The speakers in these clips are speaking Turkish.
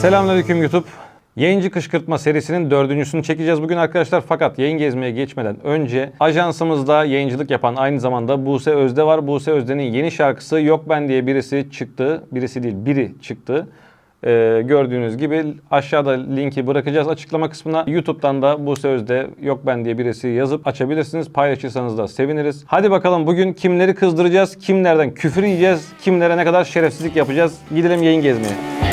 Selamünaleyküm YouTube. Yayıncı kışkırtma serisinin dördüncüsünü çekeceğiz bugün arkadaşlar. Fakat yayın gezmeye geçmeden önce ajansımızda yayıncılık yapan aynı zamanda Buse Özde var. Buse Özde'nin yeni şarkısı Yok Ben diye birisi çıktı. Birisi değil, biri çıktı. Gördüğünüz gibi aşağıda linki bırakacağız açıklama kısmına. YouTube'dan da Buse Özde Yok Ben diye birisi yazıp açabilirsiniz. Paylaşırsanız da seviniriz. Hadi bakalım bugün kimleri kızdıracağız, kimlerden küfür yiyeceğiz, kimlere ne kadar şerefsizlik yapacağız. Gidelim yayın gezmeye.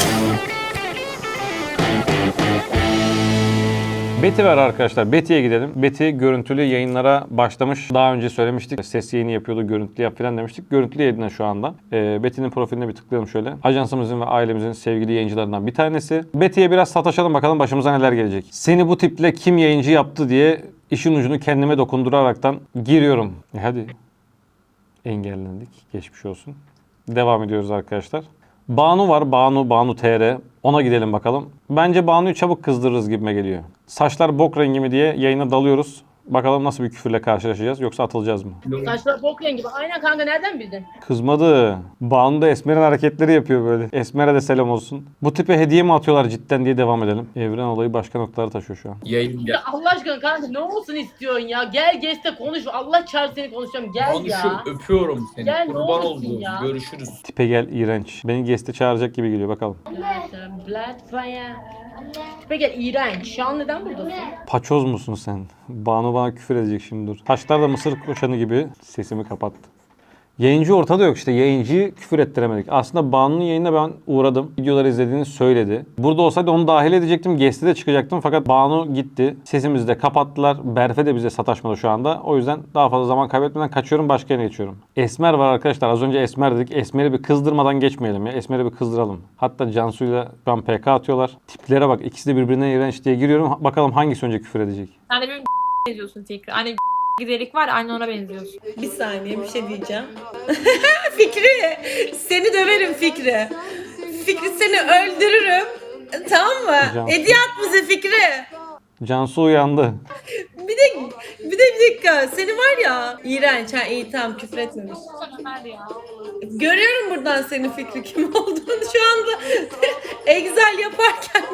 Betty var arkadaşlar. Betty'ye gidelim. Betty görüntülü yayınlara başlamış. Daha önce söylemiştik. Ses yayını yapıyordu, görüntülü yap falan demiştik. Görüntülü yayında şu anda. Betty'nin profiline bir tıklayalım şöyle. Ajansımızın ve ailemizin sevgili yayıncılarından bir tanesi. Betty'ye biraz sataşalım bakalım başımıza neler gelecek. Seni bu tiple kim yayıncı yaptı diye işin ucunu kendime dokunduraraktan giriyorum. Hadi. Engellendik. Geçmiş olsun. Devam ediyoruz arkadaşlar. Banu var. Banu TR. Ona gidelim bakalım. Bence Banu'yu çabuk kızdırırız gibime geliyor. Saçlar bok rengi mi diye yayına dalıyoruz. Bakalım nasıl bir küfürle karşılaşacağız yoksa atılacağız mı? Saçlar bok rengi gibi. Aynen kanka, nereden bildin? Kızmadı. Banu da Esmer'in hareketleri yapıyor böyle. Esmer'e de selam olsun. Bu tipe hediye mi atıyorlar cidden diye devam edelim. Evren olayı başka noktalara taşıyor şu an. Yayın Ya Allah aşkına kanka ne olsun istiyorsun ya? Gel geç de konuş. Allah çağır seni konuşacağım. Gel ya. öpüyorum seni. Gel, ne Kurban olursun oldum. ya. Görüşürüz. Tipe gel iğrenç. Beni Guest'e çağıracak gibi geliyor bakalım. Blood fire. Peki iğrenç. Şu an neden buradasın? Paçoz musun sen? Banu bana küfür edecek şimdi dur. Saçlar da mısır koşanı gibi. Sesimi kapattı. Yayıncı ortada yok işte. Yayıncıyı küfür ettiremedik. Aslında Banu'nun yayınına ben uğradım. Videoları izlediğini söyledi. Burada olsaydı onu dahil edecektim. Guest'e de çıkacaktım. Fakat Banu gitti. Sesimizi de kapattılar. Berfe de bize sataşmadı şu anda. O yüzden daha fazla zaman kaybetmeden kaçıyorum. Başka yere geçiyorum. Esmer var arkadaşlar. Az önce Esmer dedik. Esmer'i bir kızdırmadan geçmeyelim ya. Esmer'i bir kızdıralım. Hatta Cansu'yla şu an PK atıyorlar. Tiplere bak. İkisi de birbirine iğrenç diye giriyorum. Bakalım hangisi önce küfür edecek. Sen de benim benziyorsun tekrar. Hani giderik var, aynı ona benziyorsun. Bir saniye bir şey diyeceğim. Fikri, seni döverim Fikri. Fikri seni öldürürüm. Tamam mı? Hocam. Hediye at bize Fikri. Cansu uyandı. Bir dakika. Seni var ya. İğrenç. Ha iyi tamam küfür etmemiş. Ömer ya. Görüyorum buradan senin Fikri kim olduğunu şu anda. Excel yaparken.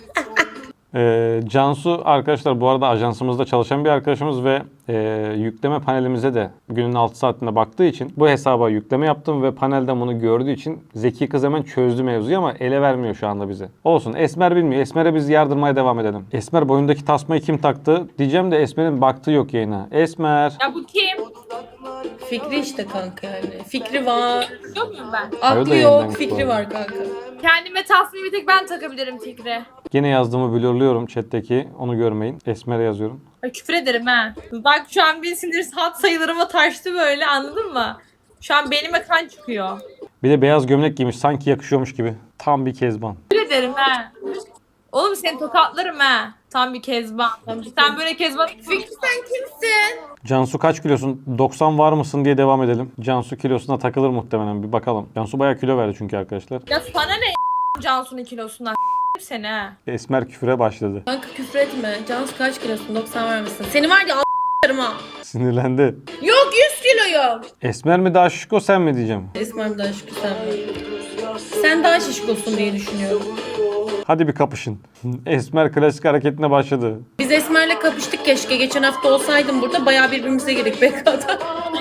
Cansu arkadaşlar bu arada ajansımızda çalışan bir arkadaşımız ve yükleme panelimize de günün 6 saatinde baktığı için bu hesaba yükleme yaptım ve panelden bunu gördüğü için zeki kız hemen çözdü mevzuyu ama ele vermiyor şu anda bize. Olsun, Esmer bilmiyor. Esmer'e biz yardırmaya devam edelim. Esmer boyundaki tasmayı kim taktı diyeceğim de Esmer'in baktığı yok yayına. Esmer. Ya bu kim? Fikri işte kanka yani. Fikri var. Yok muyum ben? Hayır da Aklı yeniden yok. Fikri kullanıyor. var kanka. Kendime tasmayı bir tek ben takabilirim Fikri. Yine yazdığımı blurluyorum chat'teki. Onu görmeyin. Esmer'e yazıyorum. Ay küfür ederim ha. Bak şu an bir sinir hat sayılarıma taştı böyle, anladın mı? Şu an beynime kan çıkıyor. Bir de beyaz gömlek giymiş. Sanki yakışıyormuş gibi. Tam bir kezban. Küfür ederim ha. Oğlum seni tokatlarım ha. Tam bir kezban. Sen böyle kezban... Fikri sen kimsin? Cansu kaç kilosun? 90 var mısın diye devam edelim. Cansu kilosuna takılır muhtemelen. Bir bakalım. Cansu bayağı kilo verdi çünkü arkadaşlar. Ya sana ne Cansu'nun kilosundan seni ha. Esmer küfüre başladı. Kanka küfür etme. Cansu kaç kilosun? 90 var mısın? Seni var ya a**larıma. Sinirlendi. Yok 100 kiloyum. Esmer mi daha şişko sen mi diyeceğim. Esmer daha şişko sen mi? Sen daha şişkosun diye düşünüyorum. Hadi bir kapışın. Esmer klasik hareketine başladı. Biz Esmer'le kapıştık keşke. Geçen hafta olsaydım burada bayağı birbirimize girdik BK'da.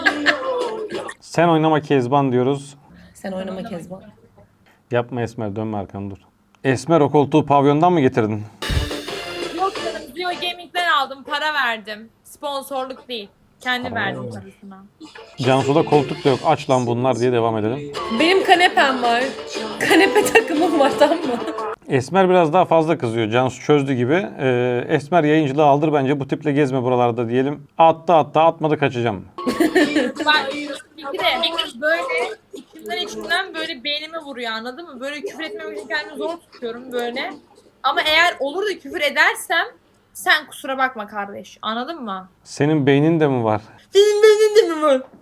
Sen oynama Kezban diyoruz. Sen oynama Kezban. Yapma Esmer, dönme arkanı dur. Esmer, o koltuğu pavyondan mı getirdin? Yok canım, Zio Gaming'den aldım, para verdim. Sponsorluk değil. Kendi verdim parasına. Cansu'da koltuk da yok. Aç lan bunlar diye devam edelim. Benim kanepem var. Kanepe takımım var, tamam mı? Esmer biraz daha fazla kızıyor. Cansu çözdü gibi. Esmer yayıncılığı aldır bence. Bu tiple gezme buralarda diyelim. Attı atmadı kaçacağım. Ben bir de böyle içimden böyle beynime vuruyor, anladın mı? Böyle küfür etmemek için kendimi zor tutuyorum böyle. Ama eğer olur da küfür edersem sen kusura bakma kardeş, anladın mı? Senin beynin de mi var? Senin beynin de mi var?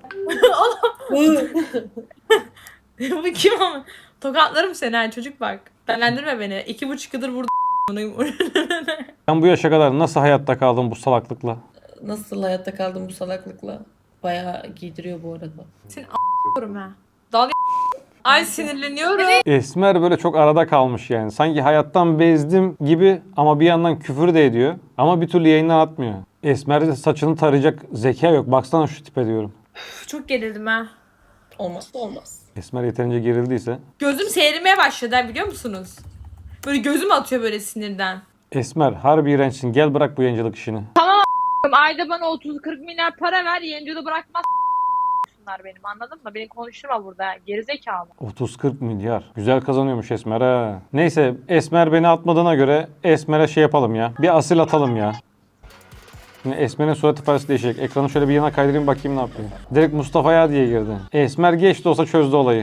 Bu kim ama? Tokatlarım seni ha çocuk bak. Delendirme beni. 2,5 yıldır burada. Sen bu yaşa kadar nasıl hayatta kaldın bu salaklıkla? Nasıl hayatta kaldım bu salaklıkla? Bayağı giydiriyor bu arada. Seni a**yorum ha. Dalga Ay sinirleniyorum. Esmer böyle çok arada kalmış yani. Sanki hayattan bezdim gibi ama bir yandan küfür de ediyor. Ama bir türlü yayından atmıyor. Esmer'de saçını tarayacak zeka yok. Baksana şu tipe diyorum. Çok gerildim ha. Olmazsa olmaz. Esmer yeterince gerildiyse. Gözüm seyirmeye başladı ha, biliyor musunuz? Böyle gözüm atıyor böyle sinirden. Esmer harbi iğrençsin. Gel bırak bu yayıncılık işini. Ayda bana 30-40 milyar para ver, yayıncı da bırakmaz bunlar benim, anladın mı? Beni konuşturma burada, gerizekalı. 30-40 milyar. Güzel kazanıyormuş Esmer ha. Neyse Esmer beni atmadığına göre Esmer'e şey yapalım ya. Bir asil atalım ya. Şimdi Esmer'in surat ifadesi değişecek. Ekranı şöyle bir yana kaydırayım bakayım ne yapıyor. Direkt Mustafa'ya diye girdi. Esmer geç de olsa çözdü olayı.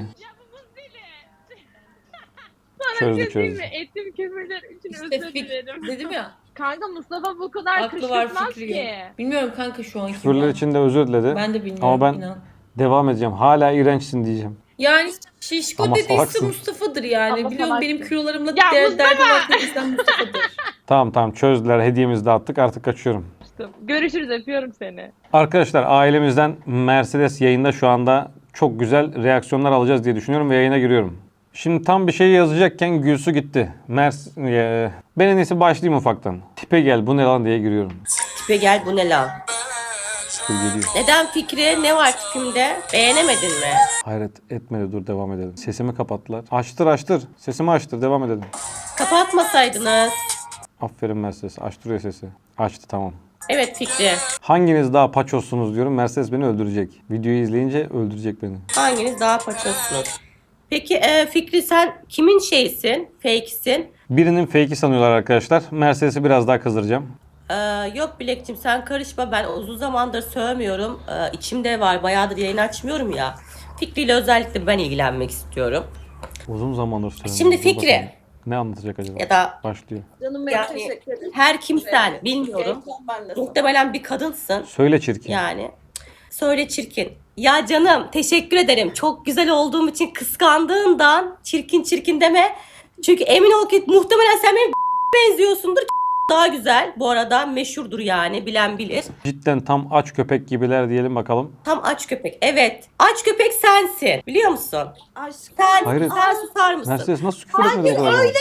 Çözdü. Ettiğim küfürler için İşte dedim ya. Kanka Mustafa bu kadar Aklı var kışkırtmaz fikri ki. yok. Bilmiyorum kanka şu an kim Küfürler ya. için de özür diledi. Ben de bilmiyorum Ama ben inan. devam edeceğim. Hala iğrençsin diyeceğim. Yani şişko Ama dediyse salaksın. Mustafa'dır yani. Ama Biliyorum salaksın. benim kilolarımla Ya derdim var dediysen Mustafa'dır. Tamam çözdüler. Hediyemizi de attık. Artık kaçıyorum. Görüşürüz, öpüyorum seni. Arkadaşlar ailemizden Mercedes yayında şu anda çok güzel reaksiyonlar alacağız diye düşünüyorum ve yayına giriyorum. Şimdi tam bir şey yazacakken Gülsü gitti. Ben en iyisi başlayayım ufaktan. Tipe gel bu ne lan diye giriyorum. Tipe gel bu ne lan? Dur geliyor. Neden Fikri? Ne var tipimde? Beğenemedin mi? Hayret etmedi dur devam edelim. Sesimi kapattılar. Açtır. Sesimi açtır devam edelim. Kapatmasaydınız. Aferin Mercedes açtırıyor sesi. Açtı tamam. Evet Fikri. Hanginiz daha paçozsunuz diyorum. Mercedes beni öldürecek. Videoyu izleyince öldürecek beni. Hanginiz daha paçozsunuz? Peki Fikri sen kimin şeysin? Fake'sin? Birinin fake'i sanıyorlar arkadaşlar. Mercedes'i biraz daha kızdıracağım. Yok Bilek'cim sen karışma. Ben uzun zamandır sövmüyorum. İçimde var. Bayağıdır yayın açmıyorum ya. Fikri ile özellikle ben ilgilenmek istiyorum. Uzun zamandır söylüyorum. Şimdi Dur Fikri. bakalım. Ne anlatacak acaba? Ya da Başlıyor. Canım benim yani teşekkür ederim. her kimsen bilmiyorum. Ben de sana. Muhtemelen bir kadınsın. Söyle çirkin. Yani. Söyle çirkin. Ya canım teşekkür ederim. Çok güzel olduğum için kıskandığından çirkin deme. Çünkü emin ol ki muhtemelen sen benim benziyorsundur. Daha güzel. Bu arada meşhurdur yani. Bilen bilir. Cidden tam aç köpek gibiler diyelim bakalım. Tam aç köpek. Evet. Aç köpek sensin. Biliyor musun? Aşkım. Hayır. Sen susar mısın? Mercedes nasıl küfür etmedi bu kadar? Öyle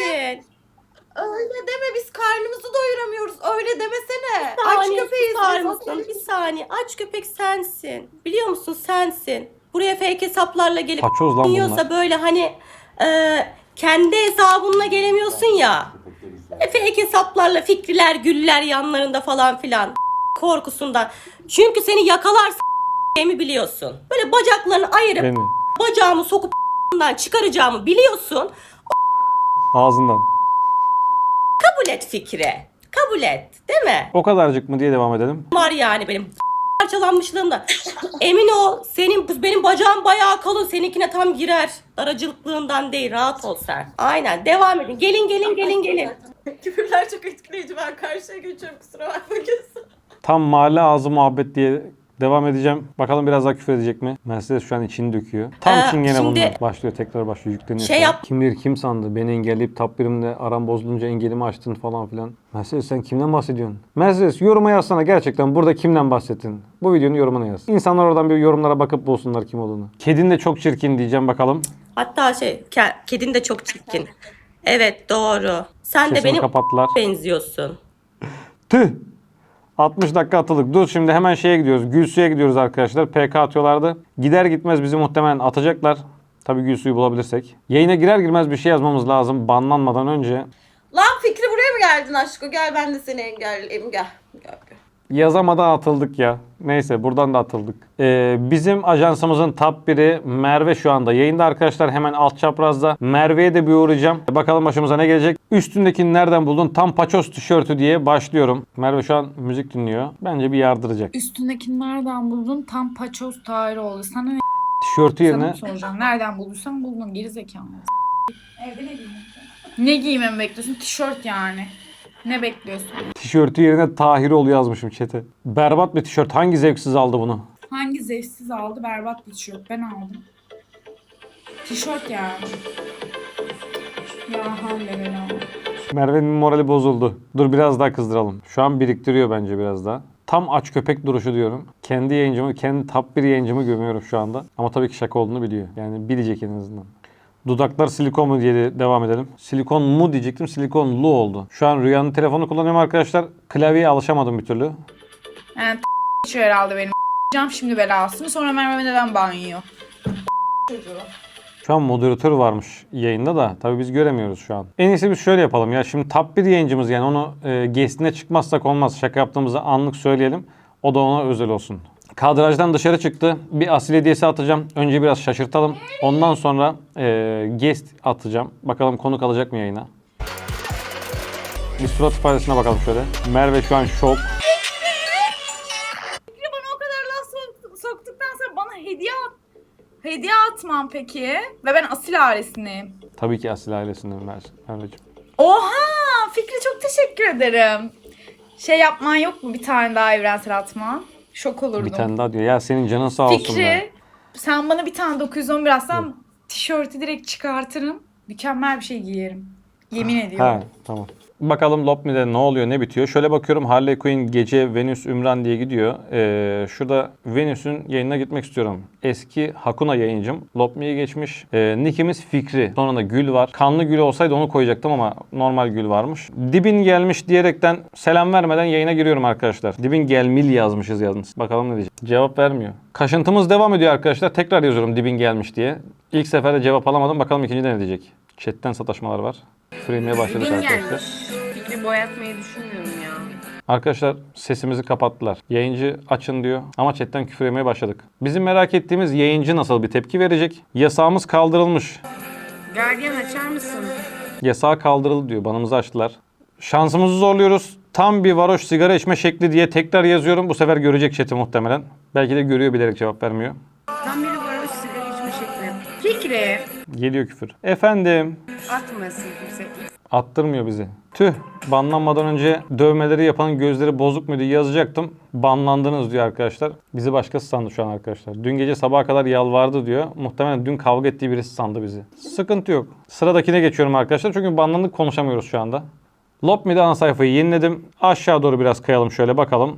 deme, biz karnımızı doyuramıyoruz. Öyle demesene. Aç köpeğiz susar biz. mısın? Bir saniye. Aç köpek sensin. Biliyor musun sensin. Buraya fake hesaplarla gelip Paçoz lan bunlar. yiyorsa böyle hani kendi hesabınla gelemiyorsun ya. Fake hesaplarla Fikriler, Güller yanlarında falan filan korkusundan. Çünkü seni yakalarsa mi biliyorsun. Böyle bacaklarını ayırıp Beni. bacağımı sokup çıkaracağımı biliyorsun. Ağzından. Kabul et Fikri. Kabul et. Değil mi? O kadarcık mı diye devam edelim. Var yani benim parçalanmışlığımda. Emin ol benim bacağım bayağı kalın. Seninkine tam girer. Daracılıklığından değil. Rahat ol sen. Aynen. Devam edin. Gelin. Küfürler çok etkileyici. Ben karşıya geçiyorum. Kusura bakma kesin. Tam mahalle ağzı muhabbet diye devam edeceğim. Bakalım biraz daha küfür edecek mi? Mercedes şu an içini döküyor. Tam çingene şimdi- bunlar. Başlıyor tekrar başlıyor yükleniyor. Şey şu an. yap- Kim bilir kim sandı? Beni engelleyip top birimle aram bozulunca engelimi açtın falan filan. Mercedes sen kimden bahsediyorsun? Mercedes yoruma yazsana gerçekten burada kimden bahsettin? Bu videonun yorumuna yaz. İnsanlar oradan bir yorumlara bakıp bulsunlar kim olduğunu. Kedin de çok çirkin diyeceğim bakalım. Hatta kedin de çok çirkin. Evet doğru. Sen de Sesini benim kapattılar. benziyorsun. Tüh! 60 dakika atıldık. Dur şimdi hemen şeye gidiyoruz. Gülsü'ye gidiyoruz arkadaşlar. PK atıyorlardı. Gider gitmez bizi muhtemelen atacaklar. Tabii Gülsü'yü bulabilirsek. Yayına girer girmez bir şey yazmamız lazım. Banlanmadan önce. Lan Fikri buraya mı geldin aşkım? Gel ben de seni engelleyeyim. Gel. Yazamadan atıldık ya. Neyse buradan da atıldık. Bizim ajansımızın top biri Merve şu anda yayında arkadaşlar. Hemen alt çaprazda. Merve'ye de bir uğrayacağım. Bakalım başımıza ne gelecek. Üstündekini nereden buldun? Tam paçoz tişörtü diye başlıyorum. Merve şu an müzik dinliyor. Bence bir yardıracak. Üstündekini nereden buldun? Tam paçoz Tahiroğlu. Sana ne Tişörtü yerine sana soracağım. Nereden bulduysan buldun. Gerizekalı. Evde ne giymem? Ne giymemi bekliyorsun? Tişört yani. Ne bekliyorsun? tişörtü yerine Tahiroğlu yazmışım chat'e. Berbat bir tişört. Hangi zevksiz aldı bunu? Hangi zevksiz aldı? Berbat bir tişört. Ben aldım. Tişört yani. Ya havle ve la. Merve'nin morali bozuldu. Dur biraz daha kızdıralım. Şu an biriktiriyor bence biraz daha. Tam aç köpek duruşu diyorum. Kendi yayıncımı, kendi top 1 yayıncımı gömüyorum şu anda. Ama tabii ki şaka olduğunu biliyor. Yani bilecek en azından. Dudaklar silikon mu diye de devam edelim. Silikon mu diyecektim, silikonlu oldu. Şu an Rüya'nın telefonu kullanıyorum arkadaşlar. Klavyeye alışamadım bir türlü. Yani içiyor herhalde benim. Cam şimdi belasını sonra Merve neden banyo? Şu an moderatör varmış yayında da tabii biz göremiyoruz şu an. En iyisi biz şöyle yapalım ya. Şimdi top 1 yayıncımız yani onu guest'ine çıkmazsak olmaz. Şaka yaptığımızı anlık söyleyelim. O da ona özel olsun. Kadrajdan dışarı çıktı. Bir asil hediyesi atacağım. Önce biraz şaşırtalım. Ondan sonra guest atacağım. Bakalım konuk alacak mı yayına? Bir surat ifadesine bakalım şöyle. Merve şu an şok. Bana o kadar laf soktuktan sonra bana hediye atmam peki. Ve ben asil ailesindeyim. Tabii ki asil ailesinden Merveciğim. Oha! Fikri çok teşekkür ederim. Şey yapman yok mu bir tane daha evrensel atma? Şok olurdum. Bir tane daha diyor. Ya senin canın sağ olsun be. Fikri, sen bana bir tane 911 atsan tişörtü direkt çıkartırım. Mükemmel bir şey giyerim. Yemin ediyorum. Ha, tamam. Bakalım Lopmi'de ne oluyor, ne bitiyor. Şöyle bakıyorum Harley Quinn gece Venüs Ümran diye gidiyor. Şurada Venüs'ün yayınına gitmek istiyorum. Eski Hakuna yayıncım. Lopmi'ye geçmiş. Nick'imiz Fikri. Sonra da Gül var. Kanlı Gül olsaydı onu koyacaktım ama normal Gül varmış. Dibin gelmiş diyerekten selam vermeden yayına giriyorum arkadaşlar. Dibin gelmil yazmışız yalnız. Bakalım ne diyecek. Cevap vermiyor. Kaşıntımız devam ediyor arkadaşlar. Tekrar yazıyorum dibin gelmiş diye. İlk seferde cevap alamadım. Bakalım ikincide ne diyecek. Chat'ten sataşmalar var. Free'meye başladık arkadaşlar. Fikri boyatmayı düşünmüyorum ya. Arkadaşlar sesimizi kapattılar. Yayıncı açın diyor ama chatten küfür yemeye başladık. Bizim merak ettiğimiz yayıncı nasıl bir tepki verecek? Yasağımız kaldırılmış. Gardiyan açar mısın? Yasağı kaldırıldı diyor. Banımızı açtılar. Şansımızı zorluyoruz. Tam bir varoş sigara içme şekli diye tekrar yazıyorum. Bu sefer görecek chat'i muhtemelen. Belki de görüyor bilerek cevap vermiyor. Tam biri varoş sigara içme şekli. Fikri. Geliyor küfür. Efendim. Atmasın kimse. Attırmıyor bizi. Tüh. Banlanmadan önce dövmeleri yapanın gözleri bozuk mu diye yazacaktım. Banlandınız diyor arkadaşlar. Bizi başkası sandı şu an arkadaşlar. Dün gece sabaha kadar yalvardı diyor. Muhtemelen dün kavga ettiği birisi sandı bizi. Sıkıntı yok. Sıradakine geçiyorum arkadaşlar. Çünkü banlandık konuşamıyoruz şu anda. Lopmi'de ana sayfayı yeniledim. Aşağı doğru biraz kayalım şöyle bakalım.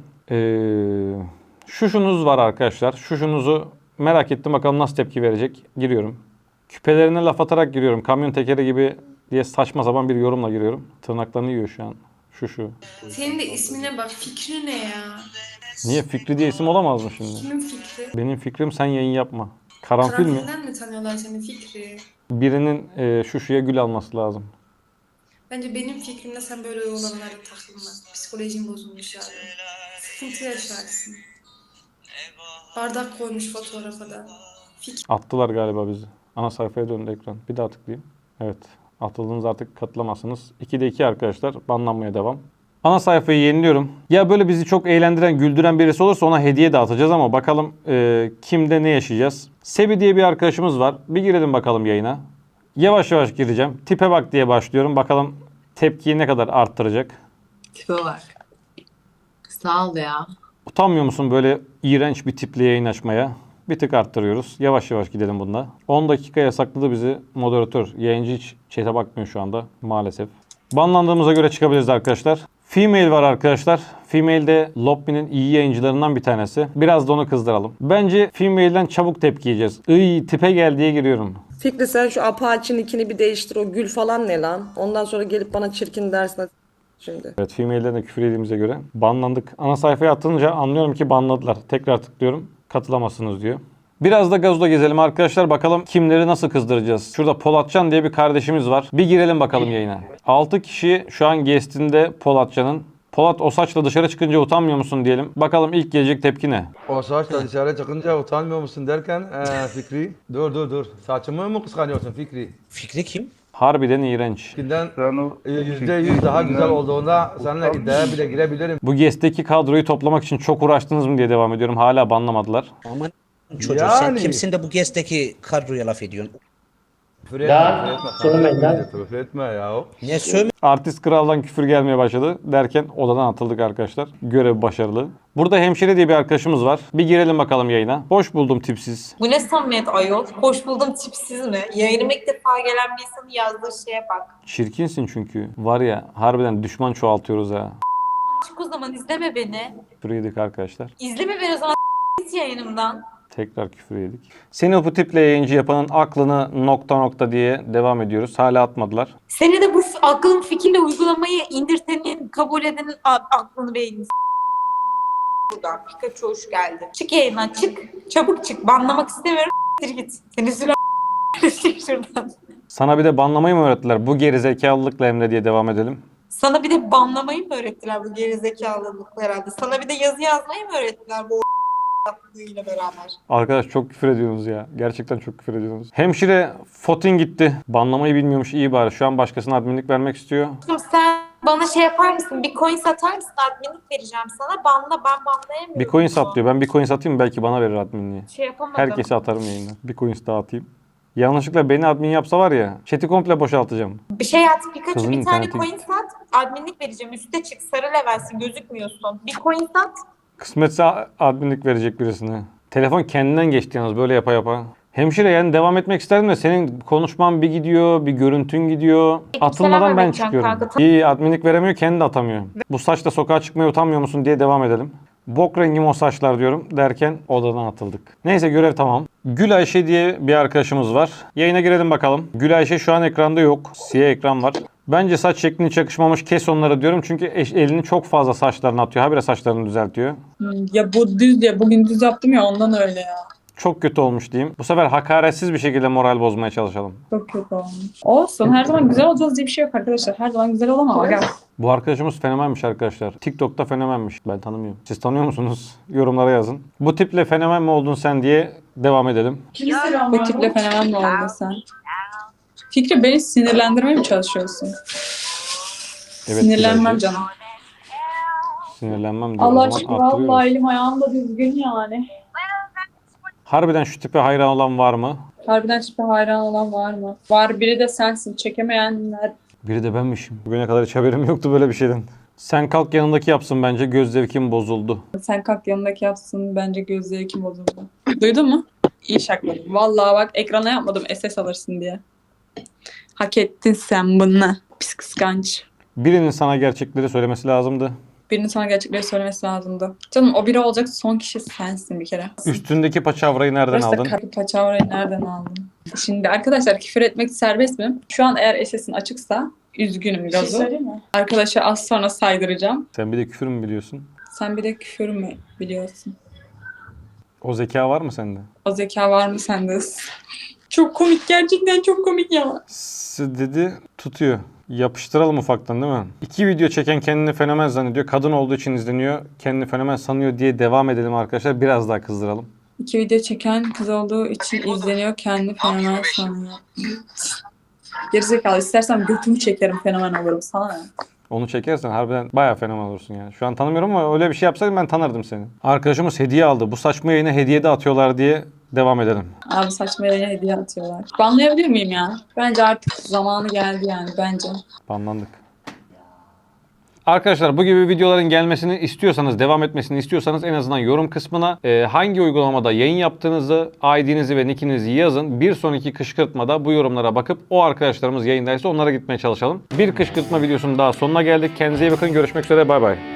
Şuşunuz var arkadaşlar. Şuşunuzu merak ettim bakalım nasıl tepki verecek. Giriyorum. Küpelerine laf atarak giriyorum. Kamyon tekeri gibi diye saçma sapan bir yorumla giriyorum. Tırnaklarını yiyor şu an. Şu. Senin de ismine bak. Fikri ne ya? Niye Fikri diye isim olamaz mı şimdi? Kimin fikri? Benim fikrim sen yayın yapma. Karanfil mi? Karanfilden mi tanıyorlar seni Fikri? Birinin şuşuya gül alması lazım. Bence benim fikrimde sen böyle olanlara takılma. Psikolojin bozulmuş yani. Sıkıntı yaşarsın. Bardak koymuş fotoğrafa da. Attılar galiba bizi. Ana sayfaya döndü ekran. Bir daha tıklayayım. Evet. Atıldınız artık katılamazsınız. 2'de 2 arkadaşlar. Banlanmaya devam. Ana sayfayı yeniliyorum. Ya böyle bizi çok eğlendiren, güldüren birisi olursa ona hediye dağıtacağız ama bakalım kimde ne yaşayacağız. Sebi diye bir arkadaşımız var. Bir girelim bakalım yayına. Yavaş yavaş gireceğim. Tipe bak diye başlıyorum. Bakalım tepkiyi ne kadar arttıracak. Tipe bak. Sağ ol ya. Utanmıyor musun böyle iğrenç bir tiple yayın açmaya? Bir tık arttırıyoruz. Yavaş yavaş gidelim bunda. 10 dakika yasakladı bizi moderatör. Yayıncı hiç chat'e bakmıyor şu anda maalesef. Banlandığımıza göre çıkabiliriz arkadaşlar. Female var arkadaşlar. Female de Lopmi'nin iyi yayıncılarından bir tanesi. Biraz da onu kızdıralım. Bence Female'den çabuk tepki yiyeceğiz. Tipe gel diye giriyorum. Fikri sen şu Apache'nin ikini bir değiştir. O gül falan ne lan? Ondan sonra gelip bana çirkin dersin şimdi. Evet, Female'den de küfür yediğimize göre banlandık. Ana sayfaya atınca anlıyorum ki banladılar. Tekrar tıklıyorum. Katılamazsınız diyor. Biraz da gazla gezelim arkadaşlar. Bakalım kimleri nasıl kızdıracağız. Şurada Polatcan diye bir kardeşimiz var. Bir girelim bakalım yayına. 6 kişi şu an guest'inde Polatcan'ın. Polat o saçla dışarı çıkınca utanmıyor musun diyelim. Bakalım ilk gelecek tepki ne? O saçla dışarı çıkınca utanmıyor musun derken Fikri. Dur. Saçımı mı kıskanıyorsun Fikri? Fikri kim? Harbiden iğrenç. Fikrinden %100 daha güzel olduğunda seninle iddiaya bile girebilirim. Bu guest'teki kadroyu toplamak için çok uğraştınız mı diye devam ediyorum. Hala banlamadılar. Aman çocuğu sen kimsin de bu gezdeki kadroya laf ediyorsun? Küfür etme ya. Ne sövme? Artist kraldan küfür gelmeye başladı derken odadan atıldık arkadaşlar. Görev başarılı. Burada hemşire diye bir arkadaşımız var. Bir girelim bakalım yayına. Hoş buldum tipsiz. Bu ne samimiyet ayol? Hoş buldum tipsiz mi? Yayınıma ilk defa gelen bir insanın yazdığı şeye bak. Çirkinsin çünkü. Var ya harbiden düşman çoğaltıyoruz ha. çık o zaman izleme beni. Küfür yedik arkadaşlar. İzleme beni o zaman git yayınımdan. Tekrar küfür yedik. Seni bu tiple yayıncı yapanın aklını nokta nokta diye devam ediyoruz. Hala atmadılar. Seni de bu aklın fikirle uygulamayı indirtenin, kabul edenin aklını beynini buradan. Pikachu hoş geldin. Çık yayından çık. Çabuk çık. Banlamak istemiyorum. Git. Seni süren çık şuradan. Sana bir de banlamayı mı öğrettiler? Bu gerizekalılıkla Emre diye devam edelim. Sana bir de banlamayı mı öğrettiler bu gerizekalılıkla herhalde? Sana bir de yazı yazmayı mı öğrettiler bu ile beraber? Arkadaş çok küfür ediyorsunuz ya. Gerçekten çok küfür ediyorsunuz. Hemşire Fotin gitti. Banlamayı bilmiyormuş, iyi bari. Şu an başkasına adminlik vermek istiyor. Sen bana şey yapar mısın? Bir coin satar mısın? Adminlik vereceğim sana. Banla, ben banlayamıyorum. Bir coin sat diyor. Ben bir coin satayım, belki bana verir adminliği. Şey yapamadım. Herkese atarım yayından. Bir coin daha atayım. Yanlışlıkla beni admin yapsa var ya, chat'i komple boşaltacağım. Bir şey at Pikachu, Kızın bir tane interneti- coin sat. Adminlik vereceğim. Üste çık. Sarı levelsin. Gözükmüyorsun. Bir coin sat. Kısmetse adminlik verecek birisine. Telefon kendinden geçti yalnız böyle yapa yapa. Hemşire yani devam etmek isterdim de senin konuşman bir gidiyor, bir görüntün gidiyor. Atılmadan ben Mehmetcan çıkıyorum. kanka. İyi, adminlik veremiyor, kendi de atamıyor. Bu saçla sokağa çıkmaya utanmıyor musun diye devam edelim. Bok rengim o saçlar diyorum derken odadan atıldık. Neyse, görev tamam. Gül Ayşe diye bir arkadaşımız var. Yayına girelim bakalım. Gül Ayşe şu an ekranda yok. Siyah ekran var. Bence saç şeklini çakışmamış, kes onları diyorum. Çünkü elini çok fazla saçlarına atıyor. Habire saçlarını düzeltiyor. Ya bu düz ya. Bugün düz yaptım ya ondan öyle ya. Çok kötü olmuş diyeyim. Bu sefer hakaretsiz bir şekilde moral bozmaya çalışalım. Çok kötü olmuş. Olsun, her zaman güzel olacağız diye bir şey yok arkadaşlar. Her zaman güzel olamam aga. Bu arkadaşımız fenomenmiş arkadaşlar. TikTok'ta fenomenmiş. Ben tanımıyorum. Siz tanıyor musunuz? Yorumlara yazın. Bu tiple fenomen mi oldun sen diye devam edelim. Bu tiple fenomen mi oldun sen? Fikri, beni sinirlendirmeye mi çalışıyorsun? Evet, Sinirlenmem Gülaycığım. canım. Sinirlenmem diyor. Allah O zaman aşkına arttırıyoruz. vallahi elim ayağım da düzgün yani. Harbiden şu tipe hayran olan var mı? Harbiden tipe hayran olan var mı? Var, biri de sensin. Çekemeyenler. Biri de benmişim. Bugüne kadar hiç haberim yoktu böyle bir şeyden. Sen kalk yanındaki yapsın bence. Göz zevkim bozuldu. Sen kalk yanındaki yapsın, bence göz zevkim bozuldu. Duydun mu? İyi şakladım. Vallahi bak, ekrana yapmadım SS alırsın diye. Hak ettin sen bunu. Pis kıskanç. Birinin sana gerçekleri söylemesi lazımdı. Birinin sana gerçekleri söylemesi lazımdı. Canım, o biri olacak son kişi sensin bir kere. Üstündeki paçavrayı nereden Burası da aldın? kapı paçavrayı nereden aldın? Şimdi arkadaşlar, küfür etmek serbest mi? Şu an eğer SS'in açıksa üzgünüm Gazu. Arkadaşa az sonra saydıracağım. Sen bir de küfür mü biliyorsun? Sen bir de küfür mü biliyorsun? O zeka var mı sende? O zeka var mı sende? Çok komik, gerçekten çok komik ya. Dedi, tutuyor. Yapıştıralım ufaktan değil mi? 2 video çeken kendini fenomen zannediyor. Kadın olduğu için izleniyor. Kendini fenomen sanıyor diye devam edelim arkadaşlar. Biraz daha kızdıralım. 2 video çeken kız olduğu için izleniyor, kendi fenomen sanıyor. Gerizekalı, istersen götümü çekerim, fenomen olurum, sana ne? Onu çekersen harbiden bayağı fenomen olursun yani. Şu an tanımıyorum ama öyle bir şey yapsaydım ben tanırdım seni. Arkadaşımız hediye aldı. Bu saçma yayına hediye de atıyorlar diye devam edelim. Abi saçma yere hediye atıyorlar. Banlayabilir miyim ya? Bence artık zamanı geldi yani, bence. Banlandık. Arkadaşlar bu gibi videoların gelmesini istiyorsanız, devam etmesini istiyorsanız en azından yorum kısmına hangi uygulamada yayın yaptığınızı, ID'nizi ve nickinizi yazın. Bir sonraki kışkırtmada bu yorumlara bakıp o arkadaşlarımız yayındaysa onlara gitmeye çalışalım. Bir kışkırtma videosunun daha sonuna geldik. Kendinize iyi bakın. Görüşmek üzere. Bay bay.